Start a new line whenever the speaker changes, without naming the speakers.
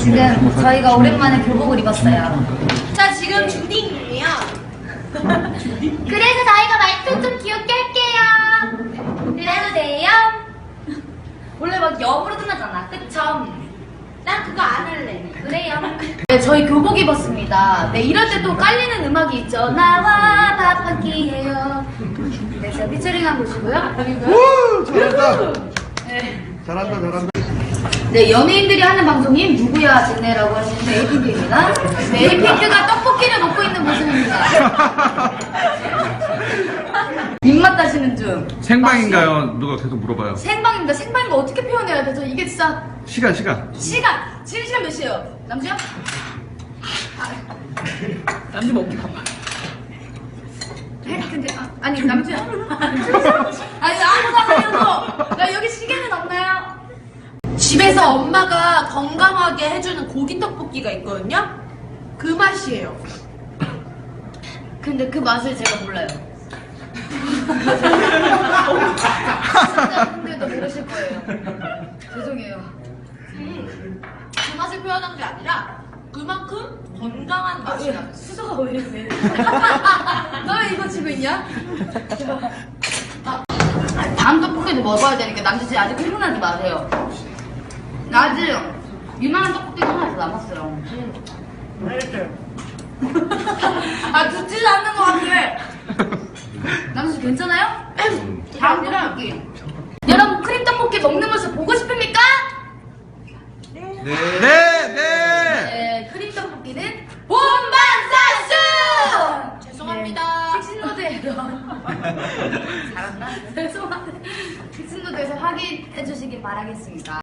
지금 저희가 오랜만에 교복을 입었어요.
자, 지금 준비 중이에요.
그래서 저희가 말투 좀 귀엽게 할게요. 그래도 돼요? 원래 막 영어로 끝나잖아. 그쵸?
난 그거 안 할래.
그래요. 네, 저희 교복 입었습니다. 네, 이럴 때 또 깔리는 음악이 있죠. 나와 밥 한 끼 해요. 네, 제가 피처링한 곳이고요.
우! 잘한다.
네.
잘한다.
네, 연예인들이 하는 방송인 누구야 진네라고 하시는 에이핑크입니다. 네, 에이핑크가 떡볶이를 먹고 있는 모습입니다. 입맛 다시는 중.
생방인가요? 누가 계속 물어봐요.
생방입니다. 생방인 거 어떻게 표현해야 되죠? 이게 진짜
시간.
시간. 지금 시간 몇 시예요? 남주야?
남주 먹기 바빠.
근데 아니 남주야. 아니 아무 상관이어도 야 여기 시계는 없나요?
집에서 엄마가 건강하게 해주는 고기 떡볶이가 있거든요. 그 맛이에요.
근데 그 맛을 제가 몰라요. 시청자분들도 모르실 거예요. 죄송해요.
그 맛을 표현한 게 아니라 그만큼 건강한 맛이야.
수서가 왜 이래? 너 왜 이거 지고 있냐? 다음 떡볶이도 먹어야 되니까 남주 씨 아직 흥분하지 마세요. 아직 유명한 떡볶이가 하나 더 남았어요. 아 듣지도 않는 것 같아. 남주 씨 괜찮아요? 다음 떡볶이. 여러분 크림 떡볶이 먹는 모습 보고 싶습니까?
네.
네, 크림 떡볶이는 본방사수!
죄송합니다.
식신로드에서 잘한다? 죄송한데 식신로드에서 확인해 주시기 바라겠습니다.